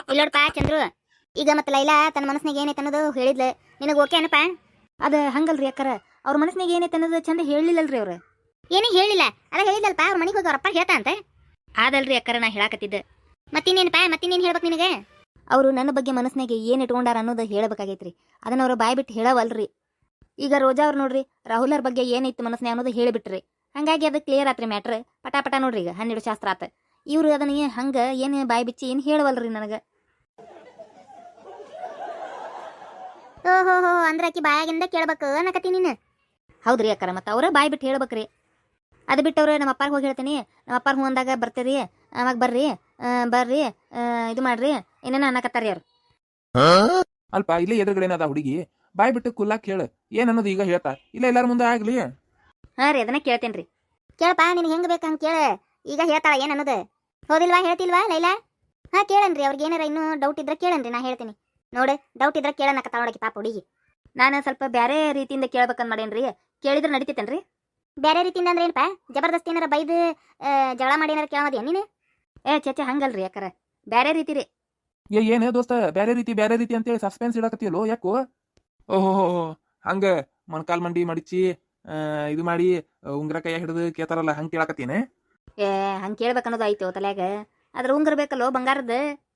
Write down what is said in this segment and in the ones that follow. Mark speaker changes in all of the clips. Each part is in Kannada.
Speaker 1: ಇಲ್ಲೋಡ್ಪ ಚಂದ್ರು, ಈಗ ಮತ್ತೆ ಲೈಲಾ ತನ್ನ ಮನಸ್ಸಿನಾಗ ಏನೈತೆ ಅನ್ನೋದು ಹೇಳಿದ್ಲ, ನಿನಗೆ ಓಕೆ ಏನಪ್ಪ?
Speaker 2: ಅದ ಹಂಗಲ್ರಿ ಅಕ್ಕಾರ, ಅವ್ರ ಮನಸ್ಸಿನಾಗ ಏನೈತೆ ಅನ್ನೋದು ಚಂದ ಹೇಳಿಲ್ಲಲ್ರಿ ಅವ್ರು.
Speaker 1: ಏನೇ ಹೇಳಿಲ್ಲ, ಅದ ಹೇಳಿದಲ್ಪ ಅವ್ರ ಮನೆಗೆ ಹೋಗಿ ಅವ್ರಪ್ಪ ಹೇಳ್ತಾ ಅಂತ.
Speaker 2: ಅದಲ್ರಿ ಅಕ್ಕಾರ, ನಾ ಹೇಳಾಕತ್ತಿದ್ದೆ.
Speaker 1: ಮತ್ತಿನ್ನೇನಪ್ಪ, ಮತ್ತಿನ್ನೇನು ಹೇಳ್ಬೇಕು ನಿನಗೆ?
Speaker 2: ಅವರು ನನ್ನ ಬಗ್ಗೆ ಮನಸ್ಸಿನಾಗ ಏನು ಇಟ್ಕೊಂಡಾರ ಅನ್ನೋದು ಹೇಳ್ಬೇಕಾಗೈತ್ರಿ. ಅದನ್ನ ಅವ್ರು ಬಾಯ್ ಬಿಟ್ಟು ಹೇಳವಲ್ರಿ. ಈಗ ರೋಜಾ ಅವ್ರು ನೋಡ್ರಿ, ರಾಹುಲ್ ಅವ್ರ ಬಗ್ಗೆ ಏನೈತಿ ಮನಸ್ಸಿನಾಗ ಅನ್ನೋದು ಹೇಳಿಬಿಟ್ರಿ. ಹಂಗಾಗಿ ಅದು ಕ್ಲಿಯರ್ ಆತ್ರಿ ಮ್ಯಾಟ್ರ್. ಪಟ ನೋಡ್ರಿ, ಈಗ 12 ಶಾಸ್ತ್ರ ಆತ. ಇವ್ರು ಅದನ್ನ ಹಂಗ ಏನು ಬಾಯ್ ಬಿಚ್ಚಿ ಏನು ಹೇಳವಲ್ರಿ ನನಗೆ.
Speaker 1: ಓಹೋ ಅಂದ್ರೆ ಆಕಿ ಬಾಯಾಗಿಂದ ಕೇಳ್ಬೇಕು ಅನ್ನಕತ್ತಿ ನೀನು?
Speaker 2: ಹೌದ್ರಿ ಅಕ್ಕಾರ, ಮತ್ತೆ ಅವ್ರ ಬಾಯ್ ಬಿಟ್ಟು ಹೇಳ್ಬೇಕ್ರಿ. ಅದು ಬಿಟ್ಟವ್ರು ನಮ್ಮ ಅಪ್ಪಾರಿಗೆ ಹೋಗಿ ಹೇಳ್ತೀನಿ, ನಮ್ಮ ಅಪ್ಪಾರ ಹ್ಞೂ ಅಂದಾಗ ಬರ್ತೀರಿ, ಅವಾಗ ಬರ್ರಿ ಬರ್ರಿ ಇದು ಮಾಡ್ರಿ ಏನೇನ ಅನ್ನಕತ್ತಾರಿ ಅವ್ರು.
Speaker 3: ಅಲ್ಪ ಇಲ್ಲೇ ಎದುರುಗಡೆನದ ಹುಡುಗಿ, ಬಾಯ್ ಬಿಟ್ಟು ಕುಲ್ಲಾಕ್ ಹೇಳ ಏನ್ ಅನ್ನೋದು ಈಗ ಹೇಳ್ತಾ ಇಲ್ಲ, ಎಲ್ಲಾರ ಮುಂದೆ ಆಗ್ಲಿ.
Speaker 2: ಹಾಂ ರೀ, ಅದನ್ನ ಕೇಳ್ತೇನ್ರಿ.
Speaker 1: ಕೇಳಪ್ಪ, ನಿನಗೆ ಹೆಂಗೆ ಬೇಕು ಹಂಗೆ ಕೇಳ. ಈಗ ಹೇಳ್ತಾಳ ಏನು ಅನ್ನೋದು? ಹೋದಿಲ್ವಾ, ಹೇಳ್ತಿಲ್ವಾ ಲೈಲಾ? ಹಾಂ ಕೇಳನ್ರಿ, ಅವ್ರಿಗೆ ಏನಾರ ಇನ್ನೂ ಡೌಟ್ ಇದ್ರೆ ಕೇಳನ್ರಿ, ನಾ ಹೇಳ್ತೀನಿ. ನೋಡಿ, ಡೌಟ್ ಇದ್ರೆ ಕೇಳನಕತ್ತಾಳ ನೋಡಕ್ಕೆ ಪಾಪ ಹುಡುಗಿ.
Speaker 2: ನಾನು ಸ್ವಲ್ಪ ಬೇರೆ ರೀತಿಯಿಂದ ಕೇಳ್ಬೇಕಂತ ಮಾಡೇನ್ರಿ, ಕೇಳಿದ್ರೆ ನಡಿತೈತೇನ್ರಿ?
Speaker 1: ಬೇರೆ ರೀತಿಯಿಂದ ಅಂದ್ರೆ ಏನಪ್ಪ? ಜಬರ್ದಸ್ತಿ ಏನಾರ ಬೈದು ಜಗಳ ಮಾಡಿ ಏನಾರ ಕೇಳೋದೇನು ನೀನು?
Speaker 2: ಚೇಚೆ ಹಂಗಲ್ರಿ ಅಕ್ಕಾರ, ಬೇರೆ ರೀತಿ ರೀ.
Speaker 3: ಏನೇ ದೋಸ್ತ, ಬೇರೆ ರೀತಿ ಅಂತೇಳಿ ಸಸ್ಪೆನ್ಸ್ ಇಡಕತ್ತಿಯಲ್ಲೋ ಯಾಕೋ? ಓಹೋ ಹಂಗ ಮೊಣಕಾಲ್ ಮಂಡಿ ಮಡಿಚಿ ಇದು ಮಾಡಿ ಉಂಗ್ರ ಕೈಯ ಹಿಡಿದು ಕೇತಾರಲ್ಲ, ಹಂಗೆ ಕೇಳಕತ್ತೀನಿ.
Speaker 2: ಹಂಗೆ ಕೇಳ್ಬೇಕನ್ನೋದು ಆಯ್ತು ತಲ್ಯಾಗ. ಅದ್ರ ಉಂಗ್ರ ಬೇಕಲ್ಲೋ ಬಂಗಾರದ.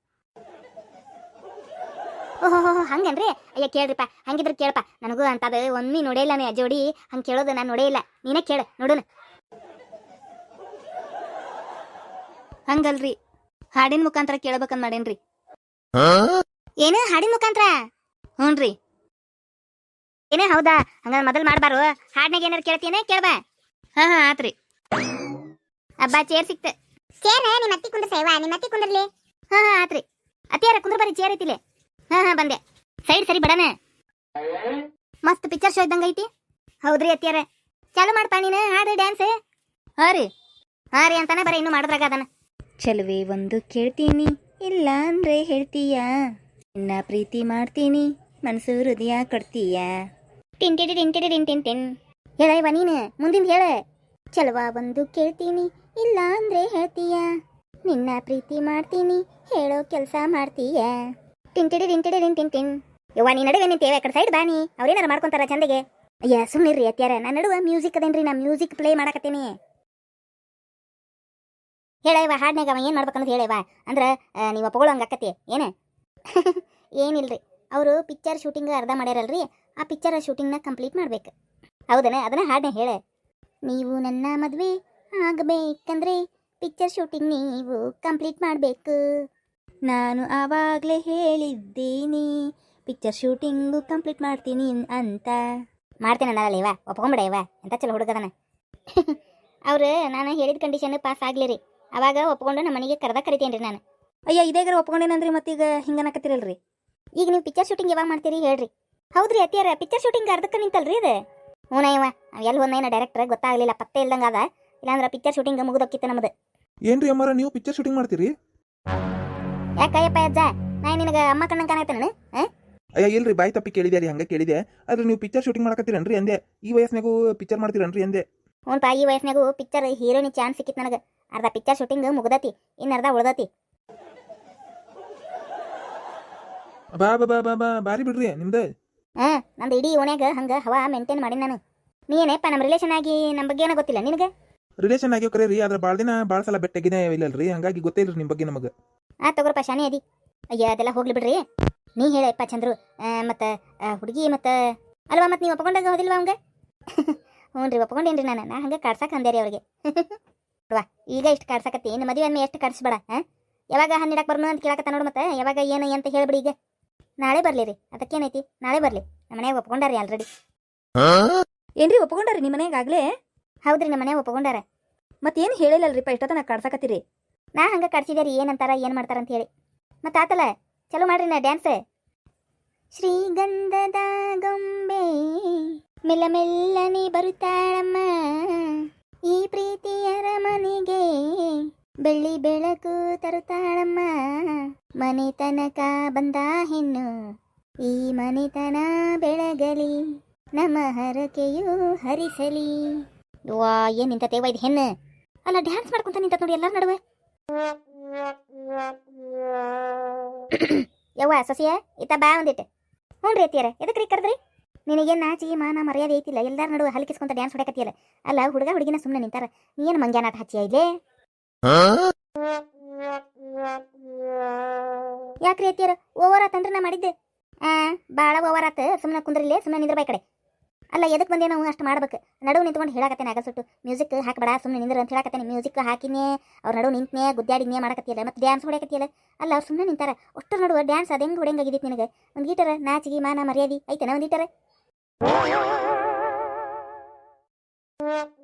Speaker 1: ಓಹೋ ಹಂಗನ್ರಿ? ಅಯ್ಯ ಕೇಳ್ರಿಪ್ಪ, ಹಂಗಿದ್ರೆ ಕೇಳಪ್ಪ. ನನಗೂ ಅಂತದ ಒಮ್ಮೆ ನೋಡೇ ಇಲ್ಲ ನೀ ಜೋಡಿ ಹಂಗೆ ಕೇಳೋದು, ನಾನು ನೋಡೇ ಇಲ್ಲ. ನೀನೇ ಕೇಳ ನೋಡೋಣ.
Speaker 2: ಹಂಗಲ್ರಿ, ಹಾಡಿನ ಮುಖಾಂತರ ಕೇಳ್ಬೇಕಂತ ಮಾಡೇನ್ರಿ.
Speaker 1: ಏನು ಹಾಡಿನ ಮುಖಾಂತರ?
Speaker 2: ಹ್ಞೂನ್ರಿ.
Speaker 1: ಏನೇ ಹೌದಾ? ಹಂಗ ಮೊದಲು ಮಾಡ್ಬಾರು, ಹಾಡ್ನಾಗ ಏನಾರು ಕೇಳ್ತೀನೇ ಕೇಳ್ಬಾ.
Speaker 2: ಹಾಂ ಆತ್ರಿ.
Speaker 1: ಅಬ್ಬಾ ಚೇರ್ ಸಿಕ್ತ. ಚೇರ್ ನಿಮ್ಮ ಅತ್ತಿ ಕುಂದ್ರ ಸೇವಾ, ನಿಮ್ಮ ಅತ್ತಿ ಕುಂದ್ರಲಿ. ಹಾಂ ಆತ್ರಿ. ಅತ್ತಿಯಾರ ಕುಂದ್ರ ಬರ್ರಿ, ಚೇರ್ ಐತಿಲೆ. ಹಾಂ ಬಂದೆ. ಸೈಡ್ ಸರಿ ಬಿಡನೆ. ಮಸ್ತ್ ಪಿಕ್ಚರ್ ಶೋ ಇದ್ದಂಗ ಐತಿ. ಹೌದ್ರಿ ಅತ್ತಿಯಾರ, ಚಾಲು ಮಾಡ್ಪಾ ನೀನು ಹಾಡು ಡ್ಯಾನ್ಸ್.
Speaker 2: ಹಾಂ ರೀ
Speaker 1: ಅಂತಾನೆ ಬರೀ ಇನ್ನು ಮಾಡಿದ್ರಾಗ ಅದನ್ನ.
Speaker 2: ಚಲುವೆ ಒಂದು ಕೇಳ್ತೀನಿ, ಇಲ್ಲ ಅಂದ್ರೆ ಹೇಳ್ತೀಯ, ನಿನ್ನ ಪ್ರೀತಿ ಮಾಡ್ತೀನಿ, ಮನಸ್ಸು ಹೃದಯ ಕೊಡ್ತೀಯ.
Speaker 1: ಟಿಂಟಿಡಿ ಟಿಂಟಿಡಿ ಟಿನ್ ಟಿನ್ ಟಿನ್. ಹೇಳ ಇವ ನೀನು ಮುಂದಿನ ಹೇಳ. ಚಲುವ ಒಂದು ಕೇಳ್ತೀನಿ, ಇಲ್ಲ ಅಂದ್ರೆ ಹೇಳ್ತೀಯ, ನಿನ್ನ ಪ್ರೀತಿ ಮಾಡ್ತೀನಿ, ಹೇಳೋ ಕೆಲಸ ಮಾಡ್ತೀಯ. ಟಿಂಟಿಡಿ ಟಿಂಟಿಡಿ ಟಿನ್ ಟಿನ್ ಟಿನ್. ಯವ್ವ ನೀ ನಡುವೆ ನಿಂತೇವೆ, ಆ ಕಡೆ ಸೈಡ್ ಬಾನಿ, ಅವ್ರೇನಾರ ಮಾಡ್ಕೊಂತಾರ ಚಂದಗೆ. ಅಯ್ಯ ಸುಮ್ಮನಿರ್ರಿ ಅತ್ಯಾರ, ನಾನು ನಡುವೆ ಮ್ಯೂಸಿಕ್ ಅದೇನ್ರಿ, ನಾ ಮ್ಯೂಸಿಕ್ ಪ್ಲೇ ಮಾಡಕತ್ತೀನಿ. ಹೇಳವ ಹಾಡ್ನಾಗ ಅವ ಏನು ಮಾಡ್ಬೇಕನ್ನೋದು ಹೇಳವ. ಅಂದ್ರೆ ನೀವು ಒಪ್ಕೊಳ್ಳೋಂಗೆ ಅಕ್ಕತಿ ಏನೇ? ಏನಿಲ್ರಿ, ಅವರು ಪಿಕ್ಚರ್ ಶೂಟಿಂಗ್ ಅರ್ಧ ಮಾಡ್ಯಾರಲ್ರಿ, ಆ ಪಿಕ್ಚರ್ ಶೂಟಿಂಗ್ನ ಕಂಪ್ಲೀಟ್ ಮಾಡ್ಬೇಕು. ಹೌದನೇ? ಅದನ್ನ ಹಾಡನ್ನ ಹೇಳೆ. ನೀವು ನನ್ನ ಮದುವೆ ಆಗಬೇಕಂದ್ರೆ ಪಿಕ್ಚರ್ ಶೂಟಿಂಗ್ ನೀವು ಕಂಪ್ಲೀಟ್ ಮಾಡಬೇಕು.
Speaker 2: ನಾನು ಆವಾಗಲೇ ಹೇಳಿದ್ದೀನಿ, ಪಿಕ್ಚರ್ ಶೂಟಿಂಗು ಕಂಪ್ಲೀಟ್ ಮಾಡ್ತೀನಿ ಅಂತ.
Speaker 1: ಮಾಡ್ತೇನೆ ನಾಳೆ ಇವ, ಒಪ್ಕೊಂಬಿಡ ಇವ, ಎಂತ ಚಲೋ ಹುಡುಗದನ. ಅವ್ರು ನಾನು ಹೇಳಿದ ಕಂಡೀಷನ್ ಪಾಸ್ ಆಗ್ಲಿರಿ, ಅವಾಗ ಒಪ್ಕೊಂಡು ನಮ್ಮ ಮನೆಗೆ ಕರಿತೇನ್ರಿ ನಾನು.
Speaker 2: ಅಯ್ಯ ಇದೇಗಾರ ಒಪ್ಕೊಂಡೇನಂದ್ರಿ, ಮತ್ತೀಗ ಹಿಂಗನಕತ್ತಿರಲ್ರಿ.
Speaker 1: ಈಗ ನೀವು ಪಿಕ್ಚರ್ ಶೂಟಿಂಗ್ ಯಾವಾಗ ಮಾಡ್ತೀರಿ ಹೇಳ್ರಿ? ಹೌದ್ರಿ ಅತ್ತಿಯಾರ, ಪಿಕ್ಚರ್ ಶೂಟಿಂಗ್ ಅರ್ಧಕ್ಕೆ ನಿಂತಲ್ರಿ ಇದು. ಹ್ಞೂ ಇವ ಎಲ್ಲಿ ಒಂದೇನ ಡೈರೆಕ್ಟರ್ ಗೊತ್ತಾಗಲಿಲ್ಲ, ಪತ್ತೆ ಇಲ್ದಂಗ ಅದ. ಇಲ್ಲಾಂದ್ರೆ ಪಿಕ್ಚರ್ ಶೂಟಿಂಗ್ ಮುಗಿದೋಕ್ಕಿತ್ತು ನಮ್ದು.
Speaker 3: ಏನ್ರಿ ಅಮ್ಮಾರ, ನೀವು ಪಿಕ್ಚರ್ ಶೂಟಿಂಗ್ ಮಾಡ್ತೀರಿ?
Speaker 1: ಯಾಕಯ್ಯಪ್ಪ ಅಜ್ಜ, ನಾ ನಿನಗೆ ಅಮ್ಮ ಕಣ್ಣಂಗೆ ಕಾಣಾಯ್ತಾನ?
Speaker 3: ಅಯ್ಯ ಇಲ್ರಿ, ಬಾಯಿ ತಪ್ಪಿ ಕೇಳಿದೆ ರೀ, ಹಂಗೆ ಕೇಳಿದೆ. ಆದ್ರೆ ನೀವು ಪಿಕ್ಚರ್ ಶೂಟಿಂಗ್ ಮಾಡಕತ್ತೀರನ್ರಿ ಅಂದೆ. ಈ ವಯಸ್ಸಿನಾಗೂ ಪಿಕ್ಚರ್ ಮಾಡ್ತೀರನ್ರಿ ಅಂದೆ.
Speaker 1: ಹ್ಞೂನ್ಪ, ಈ ವಯಸ್ಸಿನಾಗೂ ಪಿಕ್ಚರ್ ಹೀರೋನಿ ಚಾನ್ಸ್ ಸಿಕ್ಕಿತ್ತು ನನಗೆ. ಅರ್ಧ ಪಿಕ್ಚರ್ ಶೂಟಿಂಗ್ ಮುಗ್ದತಿ, ಇನ್ನು ಅರ್ಧ ಉಳ್ದತಿ.
Speaker 3: ಬಾ ಬಾ ಬಾ ಬಾ ಬಾರಿ ಬಿಡ್ರಿ ನಿಮ್ದು.
Speaker 1: ನಂದು ಇಡೀ ಓಣ್ಯಾಗ ಹಂಗೆ ಹವಾ ಮೇಂಟೈನ್ ಮಾಡಿ ನಾನು. ನೀ ಏನಪ್ಪ ನಮ್ಮ ರಿಲೇಷನ್ ಆಗಿ ನಮ್ಮ ಬಗ್ಗೆ ಏನೋ ಗೊತ್ತಿಲ್ಲ ನಿನಗೆ?
Speaker 3: ರಿಲೇಷನ್ ಆಗ್ಯೋ ಕರೆ ರೀ, ಆದ್ರೆ ಭಾಳ ದಿನ ಭಾಳ ಸಲ ಬೆಟ್ಟಾಗಿನೇ ಇಲ್ಲಲ್ರಿ, ಹಂಗಾಗಿ ಗೊತ್ತೇ ಇಲ್ರಿ ನಿಮ್ಮ ಬಗ್ಗೆ ನಮಗೆ.
Speaker 1: ತಗೋರಪ್ಪ ಶಾನಿ ಅದಿ. ಅಯ್ಯ ಅದೆಲ್ಲ ಹೋಗ್ಲಿ ಬಿಡ್ರಿ, ನೀ ಹೇಳಪ್ಪ ಚಂದ್ರು. ಮತ್ತು ಹುಡುಗಿ ಮತ್ತು ಅಲ್ವಾ, ಮತ್ತು ನೀವು ಒಪ್ಕೊಂಡಾಗ ಹೋದಿಲ್ವಾ ಅವಂಗೆ? ಹ್ಞೂ ರೀ, ಒಪ್ಕೊಂಡೇನ್ರಿ ನಾನು. ನಾ ಹಂಗೆ ಕಾಡ್ಸಕ್ಕೆ ಅಂದೆ ರೀ ಅವ್ರಿಗೆ. ನೋಡುವ ಈಗ ಇಷ್ಟು ಕಾಡ್ಸಕತ್ತಿ, ಇನ್ನು ಮದುವೆ ಅಂದ್ಮೇಲೆ ಎಷ್ಟು ಕಾಡಿಸ್ಬೇಡ. ಯಾವಾಗ ಹಣ್ಣಿಡಕ್ಕೆ ಬರ್ನು ಅಂತ ಕೇಳಕತ್ತ ನೋಡು, ಮತ್ತೆ ಯಾವಾಗ ಏನು ಅಂತ ಹೇಳ್ಬಿಡಿ. ಈಗ ನಾಳೆ ಬರಲಿ ರೀ, ಅದಕ್ಕೇನೈತಿ, ನಾಳೆ ಬರಲಿ. ನಮ್ಮ ಮನೆಯಾಗ ಒಪ್ಕೊಂಡಾರಿ ಆಲ್ರೆಡಿ.
Speaker 2: ಏನ್ರಿ ಒಪ್ಕೊಂಡಾರಿ ನಿಮ್ಮ ಮನೆಯಾಗಲೇ?
Speaker 1: ಹೌದ್ರಿ, ನಮ್ಮ ಮನೆಯಾಗ ಒಪ್ಕೊಂಡಾರ.
Speaker 2: ಮತ್ತೇನು ಹೇಳಿಲ್ಲಲ್ರಿಪ್ಪ, ಇಷ್ಟೊತ್ತ ನಾ ಕಾಡ್ಸಕತ್ತೀರಿ.
Speaker 1: ನಾ ಹಂಗೆ ಕಾಡ್ಸಿದೆ ರೀ, ಏನಂತಾರ ಏನು ಮಾಡ್ತಾರ ಅಂತ ಹೇಳಿ. ಮತ್ತೆ ಆತಲ್ಲ, ಚಲೋ ಮಾಡ್ರಿ ನಾ ಡ್ಯಾನ್ಸ್. ಶ್ರೀಗಂಧದ ಗೊಂಬೆ ಮೆಲ್ಲ ಮೆಲ್ಲನೆ ಬರುತ್ತಾಳಮ್ಮ, ಈ ಪ್ರೀತಿಯರ ಮನೆಗೆ ಬೆಳ್ಳಿ ಬೆಳಕು ತರುತ್ತಾಳಮ್ಮ. ಮನೆ ತನಕ ಬಂದ ಹೆಣ್ಣು, ಈ ಮನೆತನ ಬೆಳಗಲಿ, ನಮ್ಮ ಹರಕೆಯು ಹರಿಸಲಿ. ವಾ ಏನ್ ನಿಂತ ತೇವ ಇದು ಹೆಣ್ಣು ಅಲ್ಲ, ಡ್ಯಾನ್ಸ್ ಮಾಡ್ಕೊಂತ ನಿಂತ ನೋಡಿ ಎಲ್ಲಾರ ನಡುವೆ. ಯವ್ವ ಸೊಸಿಯ ಇತ್ತ ಬಾ ಒಂದಿಟ್ಟು ಹ್ಞೂ ರೀ ಅತ್ತಿಯರ ಎದಕ್ಕೆ ರೀ ಕರೆದ್ರಿ ನಿನಗೇನು ನಾಚಿಗೆ ಮಾನ ಮರ್ಯಾದೆ ಐತಿಲ್ಲ ಎಲ್ಲಾರ ನಡುವೆ ಹಲ್ಕಿಸ್ಕೊಂತ ಡ್ಯಾನ್ಸ್ ಹೊಡಕತ್ತಿಯಲ್ಲ ಅಲ್ಲ ಹುಡುಗ ಹುಡುಗಿನ ಸುಮ್ಮನೆ ನಿಂತಾರ ನೀ ಏನು ಮಂಗ್ಯಾನಾಟ ಹಚ್ಚಿಯ ಇಲ್ಲೇ ಯಾಕ್ರಿ ಅತ್ತಿಯರ ಓವರ್ ಆತಂದ್ರೆ ನಾ ಮಾಡಿದ್ದೆ ಭಾಳ ಓವರ್ ಆತ ಸುಮ್ಮನೆ ಕುಂದ್ರಿಲ್ಲೇ ಸುಮ್ಮನೆ ನಿಂದ್ರ ಬೈ ಕಡೆ ಅಲ್ಲ ಎದಕ್ಕೆ ಬಂದೆ ನಾವು ಅಷ್ಟು ಮಾಡ್ಬೇಕು ನಡುವು ನಿಂತ್ಕೊಂಡು ಹೇಳಕತ್ತೇನೆ ಆಗಸುಟ್ಟು ಮ್ಯೂಸಿಕ್ ಹಾಕಬೇಡ ಸುಮ್ಮನೆ ನಿಂದ್ರ ಅಂತ ಹೇಳಕತ್ತೇನೆ ಮ್ಯೂಸಿಕ್ ಹಾಕಿನೇ ಅವ್ರ ನಡುವು ನಿಂತನೇ ಗುದ್ದಾಡಿನೇ ಮಾಡಕತ್ತಿಯಲ್ಲ ಮತ್ತೆ ಡ್ಯಾನ್ಸ್ ಹೊಡ್ಯಾಕತ್ತಿಯಲ್ಲ ಅಲ್ಲ ಅವ್ರು ಸುಮ್ಮನೆ ನಿಂತಾರ ಅಷ್ಟರ ನಡುವೆ ಡ್ಯಾನ್ಸ್ ಅದು ಹೆಂಗೆ ಹೊಡೆಯಂಗಾಗಿದ್ದಿತ್ತು ನಿನಗೆ ಒಂದು ಗೀಟರ ನಾಚಿಗೆ ಮಾನ ಮರ್ಯಾದೆ ಐತೆನ ಒಂದು ಗೀಟರ